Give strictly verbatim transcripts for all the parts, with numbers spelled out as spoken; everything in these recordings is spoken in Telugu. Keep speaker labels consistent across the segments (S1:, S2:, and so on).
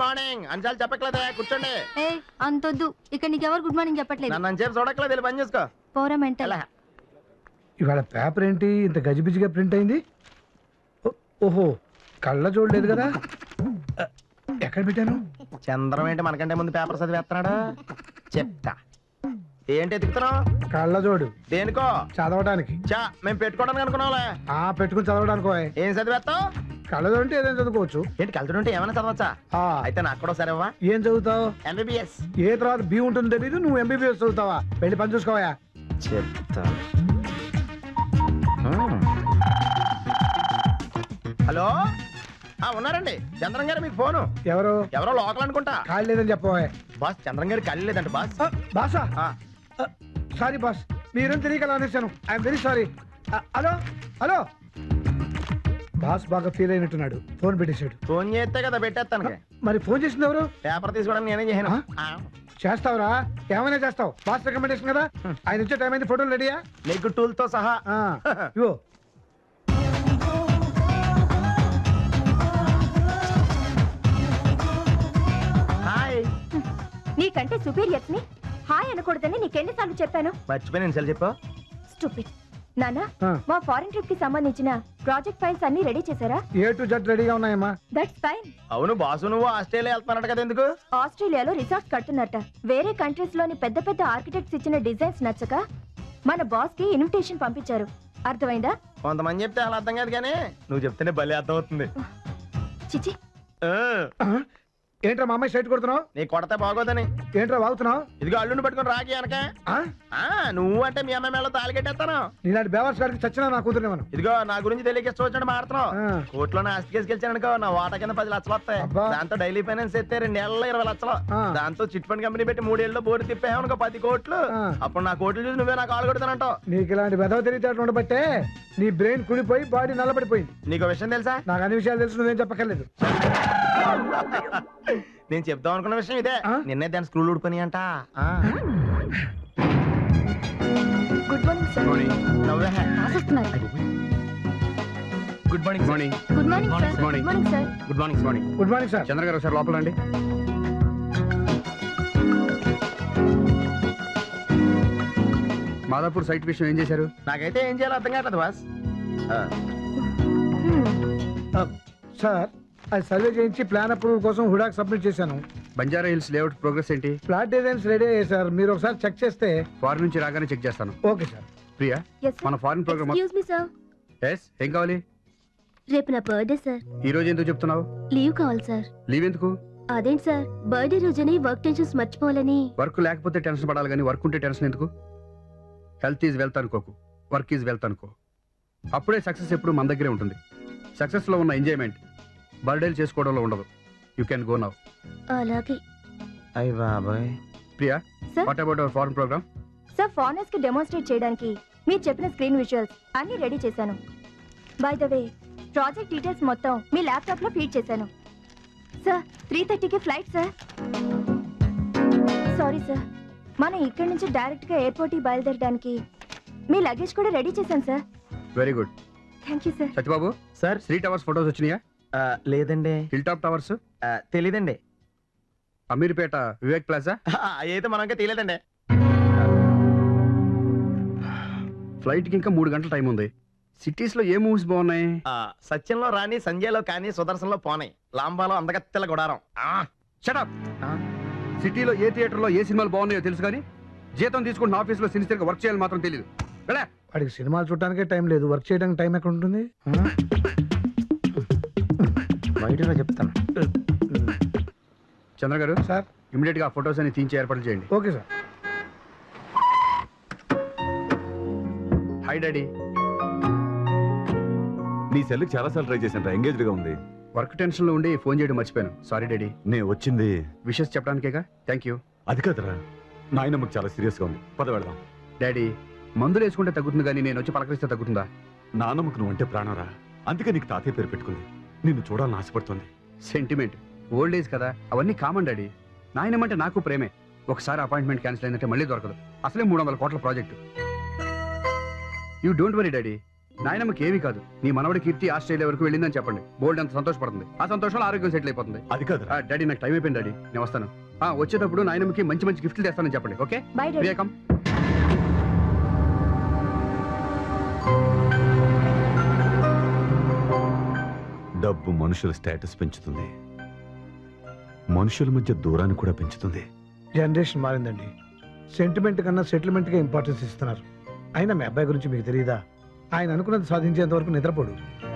S1: మార్నింగ్ అంచాలు చెప్పట్లేదే కూర్చోండి.
S2: ఏ అంతొద్దు, ఇక్కడ నీకెవరు గుడ్ మార్నింగ్ చెప్పట్లేదు.
S1: నన్ను అంచేపు చూడట్లేదు, వెళ్ళి పని చేసుకో.
S2: పోరా మెంటల్.
S3: ఇవాళ పేపర్ ఏంటి ఇంత గజిబిజిగా ప్రింట్ అయింది? ఓహో, కళ్ళ చూడలేదు కదా. ఎక్కడ పెట్టాను?
S1: చంద్రం ఏంటి మనకంటే ముందు పేపర్ చదివేస్తున్నాడు. చెప్తా ఏంటి ఎత్తుకుతున్నావు?
S3: కళ్ళ జోడు.
S1: దేనికో?
S3: చదవడానికి.
S1: చా మేము పెట్టుకోవడానికి అనుకున్నావులే.
S3: ఆ పెట్టుకుని చదవడానికి.
S1: ఏం చదివేస్తావు?
S3: కళ్ళజోడు అంటే ఏదైనా చదువుకోవచ్చు.
S1: ఏంటి కలుతుంటే ఏమైనా చదవచ్చా? అయితే నాకు కూడా సరేవా?
S3: ఏం చదువుతావు?
S1: ఎంబీబీఎస్.
S3: ఏ తర్వాత బి ఉంటుంది తెలీదు, నువ్వు ఎంబీబీఎస్ చదువుతావా? వెళ్ళి పని చూసుకోవా.
S1: చెప్తా. హలో, ఉన్నారండి చంద్రం గారు, మీకు ఫోను.
S3: ఎవరు?
S1: ఎవరో లోకల్ అనుకుంటా.
S3: ఖాళీ లేదని చెప్పవా.
S1: బాస్ చంద్రం గారు ఖాళీ లేదంట బాస్.
S3: బాసా? సారీ బాస్, మీరేం తెలియకలా అనేసాను. I'm very sorry. Hello hello. Boss బాగా ఫీల్ అయినట్టున్నాడు, ఫోన్ పెట్టేశాడు.
S1: ఫోన్ చేస్తే కదా పెట్టేస్తాను.
S3: మరి ఫోన్ చేసింది ఎవరు?
S1: పేపర్ తీసుకోవడానికి నేనే చేయను.
S3: చేస్తావురా, ఏమైనా చేస్తావు. బాస్ రికమెండేషన్ కదా. ఆయన వచ్చే టైం అయింది, ఫోటోలు రెడీయా?
S1: నీకు టూల్ తో సహా.
S3: ఇవో.
S1: హాయ్.
S2: నీకంటే సుపీరియర్స్ ని హాయ్ అనకూడదని నీకెన్నిసార్లు చెప్పాను?
S1: మర్చిపోయి నేను చెప్పా.
S2: స్టూపిడ్. నానా, మా ఫారెన్ ట్రిప్ కి సంబంధించిన ప్రాజెక్ట్ ఫైల్స్ అన్ని రెడీ చేశారా?
S3: ఏ టు జెడ్ రెడీగా ఉన్నాయమ్మా.
S2: That's fine.
S1: అవును బాసు, నువ్వు ఆస్ట్రేలియా వెళ్తున్నాడు కదా, ఎందుకు?
S2: ఆస్ట్రేలియాలో రిసార్ట్స్ కడుతున్నట్ట. వేరే కంట్రీస్ లోని పెద్ద పెద్ద ఆర్కిటెక్ట్స్ ఇచ్చిన డిజైన్స్ నచ్చక మన బాస్ కి ఇన్విటేషన్ పంపించారు. అర్థమైందా?
S1: కొంతమంది చెప్తే అలా అర్థం కాదు, కానీ నువ్వు చెప్తేనే భలే అర్థం అవుతుంది.
S2: చిచి.
S3: ఏంట్రా మా అమ్మాయి సైట్ కొడుతున్నావు?
S1: నీ కొడతా బాగోదని.
S3: ఏంట్రా వాగుతున్నావు?
S1: ఇదిగో అల్లుని పట్టుకుని రాకి అనక. నువ్వు అంటే మీ అమ్మాయి మేళ తాళి కట్టేస్తాను.
S3: నీలాంటి బేవర్స్ గారికి చచ్చినా నా కూతురు.
S1: ఇదిగో నా గురించి తెలియక ఇష్టం వచ్చినట్టు మాడుతున్నావు. కోర్టులో ఆస్తి కేసు గెలిచానుకో, నా వాటా కింద పది లక్షలు వస్తాయి. దాంతో డైలీ ఫైనాన్స్ ఎత్తే రెండేళ్లలో ఇరవై లక్షలు. దాంతో చిట్ ఫండ్ కంపెనీ పెట్టి మూడేళ్ళు బోర్డు తిప్పామనుకో పది కోట్లు. అప్పుడు నా కోట్లు చూసి నువ్వే నాకు కాలు కొడతానంటావు.
S3: నీకు ఇలాంటి వెధవ తెలివితేటలు ఉండబట్టే నీ బ్రెయిన్ కుడిపోయి బాడీ నల్లబడిపోయింది.
S1: నీకు విషయం తెలుసా?
S3: నాకు అన్ని విషయాలు తెలుసు, నువ్వేం చెప్పక్కర్లేదు.
S1: నేను చెప్దాం అనుకున్న విషయం ఇదే. నిన్నే దాని స్క్రూలు ఊడిపోయి అంట.
S2: Good morning sir.
S1: Good morning morning
S2: good morning sir. Good morning sir.
S1: Good morning morning
S3: good morning sir.
S4: Chandra garu ఒకసారి లోపల రండి. మాదాపూర్ సైట్ విషయం ఏం చేశారు?
S1: నాకైతే ఏం చేయాలో అర్థం కావట్లేదు బాస్.
S3: సార్, అది సర్వే చేయించి ప్లాన్ అప్రూవల్ కోసం హుడాక్ సబ్మిట్ చేశాను.
S4: బంజారా హిల్స్ లేఅవుట్ ప్రోగ్రెస్ ఏంటి?
S3: ఫ్లాట్ డిజైన్స్ రెడీ అయ్యాయి సార్, మీరు ఒకసారి చెక్ చేస్తే.
S4: ఫారెన్ నుంచి రాగానే చెక్ చేస్తాను.
S3: Okay sir.
S4: ప్రియా, మన foreign programme.
S2: Excuse me sir.
S4: Yes, ఏం కావాలి?
S2: రేపు నా బర్త్డే సార్.
S4: ఈ రోజు ఎందుకు చెప్తున్నావు?
S2: లీవ్ కావాలి సార్.
S4: లీవ్ ఎందుకు?
S2: అదేంటి సార్, బర్త్డే రోజుని వర్క్ టెన్షన్స్ మర్చిపోవాలని.
S4: వర్క్ లేకపోతే టెన్షన్ పడాలి కానీ వర్క్ ఉంటే టెన్షన్ ఎందుకు? హెల్త్ ఈజ్ వెల్త్ అనుకోకు, వర్క్ ఈజ్ వెల్త్ అనుకో. అప్పుడే సక్సెస్ ఎప్పుడు మన దగ్గరే ఉంటుంది. సక్సెస్ లో ఉన్న ఎంజాయ్మెంట్ బర్త్డేలు చేసుకోవడంలో ఉండదు. You can go now.
S2: అలాగే.
S1: అయ్య బాబాయ్.
S4: Priya,
S2: sir.
S4: What about our foreign programme?
S2: Sir, foreigners కి డెమోన్స్ట్రేట్ చేయడానికి మీరు చెప్పిన స్క్రీన్ విజువల్స్ అన్ని రెడీ చేశాను. By the way, project details మొత్తం మీ ల్యాప్టాప్ లో ఫీడ్ చేశాను. సార్, త్రీ థర్టీకి ఫ్లైట్ సార్. సారీ సార్, మనం ఇక్కడి నుంచి డైరెక్ట్ గా ఎయిర్పోర్ట్ కి బయలుదేరడానికి మీ లగేజ్ కూడా రెడీ చేశాను sir.
S4: Very good.
S2: Thank you sir.
S4: Satyababu
S1: sir,
S4: three towers photos వచ్చినాయా?
S1: లేదండి.
S4: హిల్ టాప్ టవర్స్
S1: తెలీదండి.
S4: అమీర్పేట వివేక్ ప్లాజా
S1: అయితే మనకే తెలియదండి.
S4: ఫ్లైట్ కి ఇంకా మూడు గంటల టైం ఉంది. సిటీస్ లో ఏ మూవీస్ బాగున్నాయి?
S1: సత్యంలో రాని, సంజయ్లో కానీ, సుదర్శన్లో పోనాయి, లాంబాలో అందగత్తెల గుడారం.
S4: షటప్. సిటీలో ఏ థియేటర్ లో ఏ సినిమాలు బాగున్నాయో తెలుసు కానీ జీతం తీసుకుంటున్న ఆఫీస్ లో సిన్సియర్ గా వర్క్ చేయాలని మాత్రం తెలియదు.
S3: వాడికి సినిమాలు చూడటానికే టైం లేదు, వర్క్ చేయడానికి టైం ఎక్కడ ఉంటుంది?
S1: బయటలో చెప్తాను.
S4: చంద్ర గారు
S3: సార్,
S4: ఇమీడియట్ గా ఫొటోస్ అని తీయించి ఏర్పాటు చేయండి.
S3: Okay sir.
S4: Hi daddy.
S5: నీ సెల్ చాలా సార్లు ట్రై చేశాను, ఎంగేజ్డ్ గా ఉంది.
S4: వర్క్ టెన్షన్ లో ఉండి ఫోన్ చేయడం మర్చిపోయాను. Sorry daddy.
S5: నేను వచ్చింది
S4: విషెస్ చెప్పడానికేగా. Thank you.
S5: అది కాదురా, నాయనమ్మకి చాలా సీరియస్ గా ఉంది, పద వెళదాం.
S4: డాడీ, మందులు వేసుకుంటే తగ్గుతుంది కానీ నేను వచ్చి పలకరిస్తే తగ్గుతుందా?
S5: నానమ్మకు నువ్వు అంటే ప్రాణరా, అందుకే నీకు తాతయ్య పేరు పెట్టుకుంది. నిన్ను చూడాలని ఆశపడుతుంది.
S4: సెంటిమెంట్, ఓల్డ్ ఏజ్ కదా, అవన్నీ కామన్ డాడీ. నాయనమ్మంటే నాకు ప్రేమే. ఒకసారి అపాయింట్మెంట్ క్యాన్సిల్ అయిందంటే మళ్ళీ దొరకదు. అసలే మూడు వందల కోట్ల project. You don't worry daddy, నాయనమ్మకి ఏమీ కాదు. నీ మనవడి కీర్తి ఆస్ట్రేలియా వరకు వెళ్ళిందని చెప్పండి. బోల్డ్ అంత సంతోషపడుతుంది. ఆ సంతోషంలో ఆరోగ్యం సెటిల్ అయిపోతుంది.
S5: అది కాదు
S4: ఆ, డాడీ నాకు టైం అయిపోయింది డాడీ, నేను వస్తాను. ఆ, వచ్చేటప్పుడు నాయనమ్మకి మంచి మంచి గిఫ్ట్లు తెస్తానని చెప్పండి. Okay
S2: bye daddy.
S4: వివేకం.
S5: డబ్బు మనుషుల స్టేటస్ పెంచుతుంది, మనుషుల మధ్య దూరాన్ని కూడా పెంచుతుంది.
S3: జనరేషన్ మారిందండి. సెంటిమెంట్ కన్నా సెటిల్మెంట్ గా ఇంపార్టెన్స్ ఇస్తున్నారు. అయినా మీ అబ్బాయి గురించి మీకు తెలియదా? ఆయన అనుకున్నది సాధించేంత వరకు నిద్రపోడు.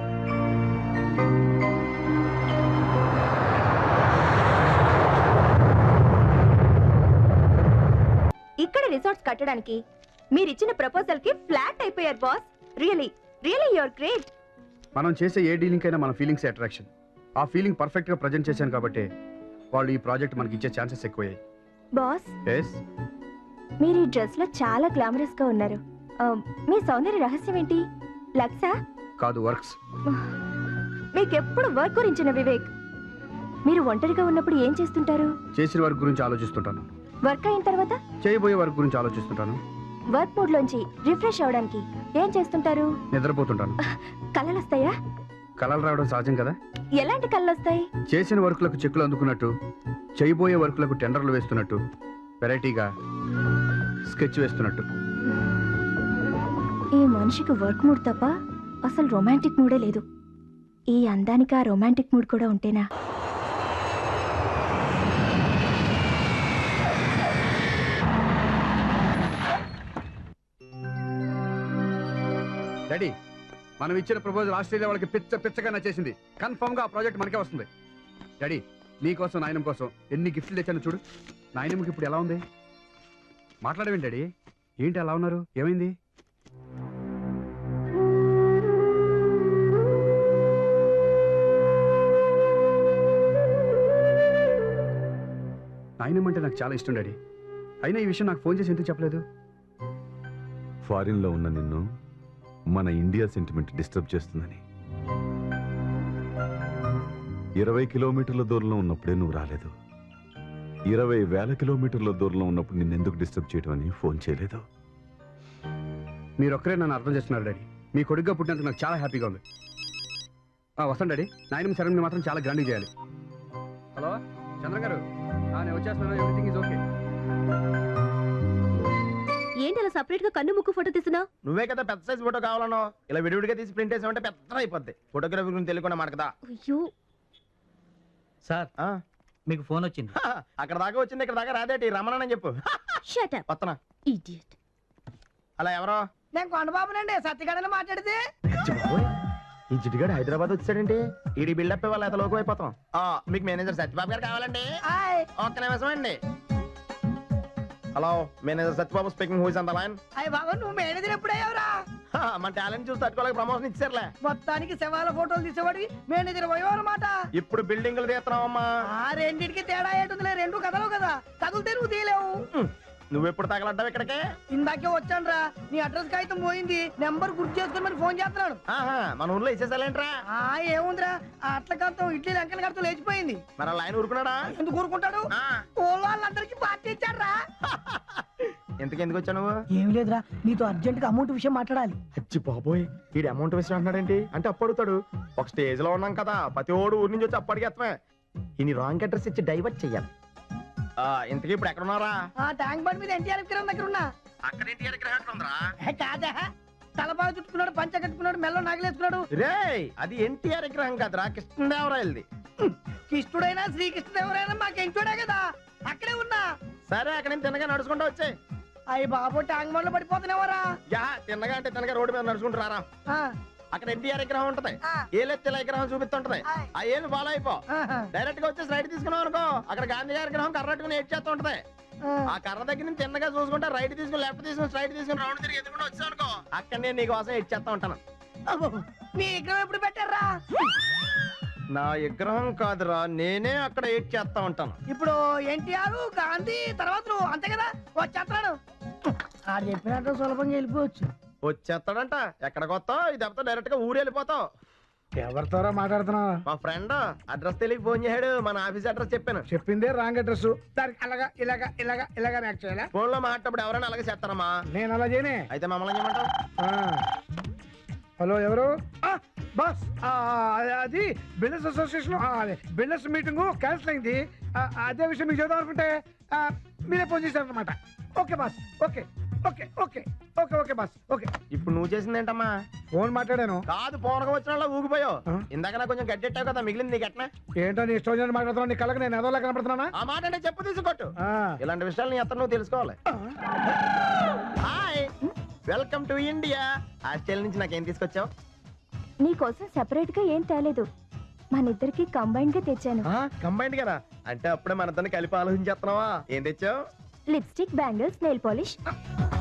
S2: ఇక్కడ రిసార్ట్స్ కట్టడానికి మీరిచ్చిన ప్రపోజల్ కి ఫ్లాట్ అయిపోయారు boss. Really really you're great.
S4: మనం చేసే ఏ డీలింగ్ అయినా మన ఫీలింగ్స్ అట్రాక్షన్. ఆ ఫీలింగ్ పర్ఫెక్ట్ గా ప్రజెంట్ చేశాను కాబట్టి వాళ్ళు ఈ ప్రాజెక్ట్ మనకి ఇచ్చే ఛాన్సెస్ ఎక్కువయ్యాయి.
S2: బాస్,
S4: ఎస్,
S2: మీరు ఈ డ్రెస్ లో చాలా గ్లామరస్ గా ఉన్నారు. ఆ, మీ సౌందర్య రహస్యం ఏంటి? లక్సా?
S4: కాదు, వర్క్స్.
S2: మీకెప్పుడు వర్క్ గురించిన వివేక్. మీరు ఒంటరిగా ఉన్నప్పుడు ఏం చేస్తుంటారు?
S4: చేసిన వర్క్ గురించి ఆలోచిస్తుంటాను.
S2: వర్క్ అయిన తర్వాత
S4: చేయబోయే వర్క్ గురించి ఆలోచిస్తుంటాను.
S2: వర్క్ మూడ్ లోంచి రిఫ్రెష్ అవడానికి ఏం చేస్తుంటారు?
S4: నిద్రపోతుంటాను.
S2: కలలు వస్తాయా?
S4: కలలు రావడం సహజం కదా.
S2: ఎలాంటి కళ్ళు వస్తాయి?
S4: చేసిన వర్క్లకు చెక్కులు అందుకున్నట్టు, చేయబోయే వర్క్లకు టెండర్లు వేస్తున్నట్టు, వెరైటీగా స్కెచ్ వేస్తున్నట్టు.
S2: ఈ మనిషికి వర్క్ మూడ్ తప్ప అసలు రొమాంటిక్ మూడే లేదు. ఈ అందానికి ఆ రొమాంటిక్ మూడ్ కూడా ఉంటేనా?
S4: డాడీ, మనం ఇచ్చిన ప్రపోజల్ ఆస్ట్రేలియా వాళ్ళకి పిచ్చ పిచ్చగా నచ్చేసింది. కన్ఫర్మ్ గా ఆ ప్రాజెక్ట్ మనకే వస్తుంది. డాడీ, నీకోసం నాయనం కోసం ఎన్ని గిఫ్ట్లు తెచ్చాను చూడు. నాయనమ్మకి ఇప్పుడు ఎలా ఉంది? మాట్లాడవేంటి డాడీ? ఏంటి అలా ఉన్నారు? ఏమైంది? నాయనమ్మ అంటే నాకు చాలా ఇష్టం డాడీ. అయినా ఈ విషయం నాకు ఫోన్ చేసి ఎందుకు చెప్పలేదు?
S5: ఫారిన్ లో ఉన్న నిన్ను మన ఇండియా సెంటిమెంట్ డిస్టర్బ్ చేస్తుందని. ఇరవై కిలోమీటర్ల దూరంలో ఉన్నప్పుడే నువ్వు రాలేదు. ఇరవై వేల కిలోమీటర్ల దూరంలో ఉన్నప్పుడు నిన్నెందుకు డిస్టర్బ్ చేయడం అని ఫోన్ చేయలేదు.
S4: మీరొక్కరే నన్ను అర్థం చేస్తున్నారు డాడీ. మీ కొడుగ్గా పుట్టినందుకు నాకు చాలా హ్యాపీగా ఉంది. వస్తాను డాడీ. నాయనమ్మ సెరమనీ మాత్రం చాలా గ్రాండ్గా చేయాలి. హలో చంద్ర గారు, నేను వచ్చేస్తున్నాను. Everything is okay.
S2: ఏంటి అలా సపరేట్ గా కన్ను ముక్కు ఫోటో తీస్తున్నావు?
S1: నువ్వే కదా పెద్ద సైజ్ ఫోటో కావాలనో. ఇలా విడివిడిగా తీసి ప్రింట్ వేసామంటే పెద్ద అయిపోద్ది. ఫోటోగ్రఫీ గురించి తెలియకుండా మాట కదా.
S2: అయ్యో
S6: సార్,
S1: ఆ,
S6: మీకు ఫోన్ వచ్చింది.
S1: హా, అక్కడ దాకా వచ్చింది, ఇక్కడ దాకా రాదేటి. రమ్మనని చెప్పు.
S2: షట్ అప్
S1: వత్తనా.
S2: ఇడియట్.
S1: అలా ఎవరో
S7: నేను కొండబాబునండి, సత్యగాడని మాట్లాడితే.
S1: ఈ జిడ్డుగాడు హైదరాబాద్ వచ్చాడండి. ఈడి బిల్డప్ ఇవ్వాలి, ఎంత లోకం అయిపోతాం. ఆ, మీకు మేనేజర్ సత్యబాబు గారు కావాలండి.
S7: హాయ్
S1: ఒక్క నిమిషం అండి. Hello, manager Satyababu speaking. Who is on the line?
S7: అయ్య బాబా, నువ్వు మేనేజర్ ఎప్పుడయ్యావురా?
S1: మన టాలెంట్ చూసి తట్టుకోలేక ప్రమోషన్ ఇచ్చారులే.
S7: మొత్తానికి శవాల ఫోటోలు తీసేవాడివి మేనేజర్ పోయావు అనమాట.
S1: ఇప్పుడు బిల్డింగ్లు తీస్తున్నావమ్మా.
S7: ఆ రెండింటికి తేడా ఏంటుందిలే, రెండు కథలు కదా. తగులుతే నువ్వు తీయలేవు.
S1: నువ్వెప్పుడు తగలడ్డావు ఇక్కడికే?
S7: ఇందాకే వచ్చానురా, నీ అడ్రస్ కాగితం పోయింది, నెంబర్ గుర్తు చేసుకుని మరి ఫోన్ చేస్తున్నాను.
S1: ఆహా, మన ఊర్లో ఇచ్చేసాలేంట్రా?
S7: ఆ ఏముందిరా, ఆ అట్ల కడతాం ఇడ్లీ లంకల కడతాం లేచిపోయింది.
S1: మరి ఆ లైన్ ఊరుకున్నాడా?
S7: ఎందుకు ఊరుకుంటాడు?
S1: ఆ,
S7: ఊళ్ళో వాళ్ళందరికీ పార్టీ ఇచ్చాడ్రా.
S1: ఎందుకు ఎందుకు వచ్చా నువ్వు?
S7: ఏం లేదురా, నీతో అర్జెంట్ గా అమౌంట్ విషయం మాట్లాడాలి.
S1: అచ్చి బాబోయ్, వీడి అమౌంట్ విషయం అంటున్నాడేంటి? అంటే అప్పు అడుగుతాడు. ఒక స్టేజ్ లో ఉన్నాం కదా, ప్రతి ఓడు ఊరి నుంచి వచ్చి అప్పు అడిగేస్తామే. ఈయన రాంగ్ అడ్రస్ ఇచ్చి డైవర్ట్ చెయ్యాలి. ఆ, ఇంతకీ ఇప్పుడు ఎక్కడ ఉన్నారా?
S7: ఆ ట్యాంక్ బండ్ మీద ఎన్టీఆర్ విగ్రహం దగ్గర ఉన్నా.
S1: అక్కడ ఇంటి ఎక్కడ ఉందిరా?
S7: ఏ కాదా, తలపాగా చుట్టుకున్నాడు, పంచ కట్టుకున్నాడు, మెల్లో నగలేసుకున్నాడు.
S1: రేయ్, అది ఎన్టీఆర్ విగ్రహం కాదురా, కృష్ణదేవరాయలది.
S7: కృష్ణుడైనా శ్రీకృష్ణదేవరైనా మాకెంటోడే కదా, అక్కడే ఉన్నా.
S1: సరే, అక్కడ నేను తిన్నగా నడుచుకుంటూ వచ్చాయి.
S7: అయ్యి బాబు, ట్యాంక్ బండ్ లో పడిపోతున్నావరా?
S1: యా, తిన్నగా అంటే తిన్నగా రోడ్డు మీద నడుచుకుంటూ రారా. అక్కడ ఎన్టీఆర్ విగ్రహం ఉంటది, ఏలెత్తిల విగ్రహం చూపిస్తుంటది. ఆ ఏళ్ళు ఫాలో అయిపో. డైరెక్ట్ గా వచ్చేసి రైట్ తీసుకున్నావు అనుకో, అక్కడ గాంధీ గారి విగ్రహం కర్రట్టుకుని ఏడ్ చేస్తూ ఉంటది. ఆ కర్ర దగ్గర నుంచి తిన్నగా చూసుకుంటా రైట్ తీసుకుని లెఫ్ట్ తీసుకుని స్ట్రైట్ తీసుకుని రౌండ్ తిరిగి ఎదుగుండా వచ్చావు అనుకో, అక్కడ నేను నీ కోసం ఏడ్ చేస్తా ఉంటాను.
S7: మీ విగ్రహం ఎప్పుడు పెట్టారా?
S1: నా విగ్రహం కాదురా, నేనే అక్కడ ఏడ్ చేస్తా ఉంటాను.
S7: ఇప్పుడు ఎన్టీఆర్ గాంధీ తర్వాత నువ్వు, అంతే కదా? వచ్చేస్తాను. ఆడు చెప్పినట్టు సులభంగా వెళ్ళిపోవచ్చు.
S1: వచ్చేస్తాడంట. ఎక్కడికి వస్తావు? ఇది దెబ్బతో డైరెక్ట్ గా ఊరు వెళ్ళిపోతావు.
S3: ఎవరితోరా మాట్లాడుతున్నావు?
S1: మా ఫ్రెండ్ అడ్రస్ తెలియక ఫోన్ చేశాడు. మన ఆఫీస్ అడ్రస్ చెప్పాను.
S3: చెప్పిందే రాంగ్ అడ్రస్. దానికి అలాగా ఇలాగా ఇలాగా ఇలాగా యాక్ట్ చేయాలా?
S1: ఫోన్ లో మాట్లాడేటప్పుడు ఎవరైనా అలాగే చేస్తారమ్మా.
S3: నేను అలా చేయనే.
S1: అయితే మమ్మల్ని చేయమంటావు?
S3: ఆ, హలో ఎవరు ఆ, బాస్ ఆ, అది బిల్డర్స్ అసోసియేషన్ ఆ, అదే బిల్డర్స్ మీటింగ్ క్యాన్సిల్ అయింది ఆ, అదే విషయం మీకు చెప్దాం అనుకుంటే ఆ, మీరే ఫోన్ చేశారు అనమాట okay boss okay okay okay okay okay boss okay
S1: ఇప్పుడు నువ్వు చేసింది ఏంటమ్మా?
S3: ఫోన్ మాట్లాడాను
S1: కాదు పోనక వచ్చిన వాళ్ళ ఊగిపోయావు.
S3: ఆ?
S1: ఇందాక నాకు కొంచెం గడ్డెట్టావు కదా, మిగిలింది నీకు ఎట్నా?
S3: ఏంటో నీ ఇష్టం వచ్చినట్టు మాట్లాడుతున్నావు నీ కళ్ళకి నేను ఎదోలా కనపడుతున్నానా
S1: ఆ మాట అంటే చెప్పు తీసుకొట్టు.
S3: ఆ.
S1: ఇలాంటి విషయాలు నీ అతను నువ్వు తెలుసుకోవాలి. Hi, welcome to India. Australia నుంచి నాకేం తీసుకొచ్చావు?
S2: నీకోసం సెపరేట్ గా ఏం తేలేదు, మన ఇద్దరికి కంబైన్డ్ గా తెచ్చాను.
S1: కంబైండ్ కదా, అంటే అప్పుడే మన ఇద్దరిని కలిపి ఆలోచించేస్తున్నావా? ఏం తెచ్చావు?
S2: Lipstick, bangles, nail polish.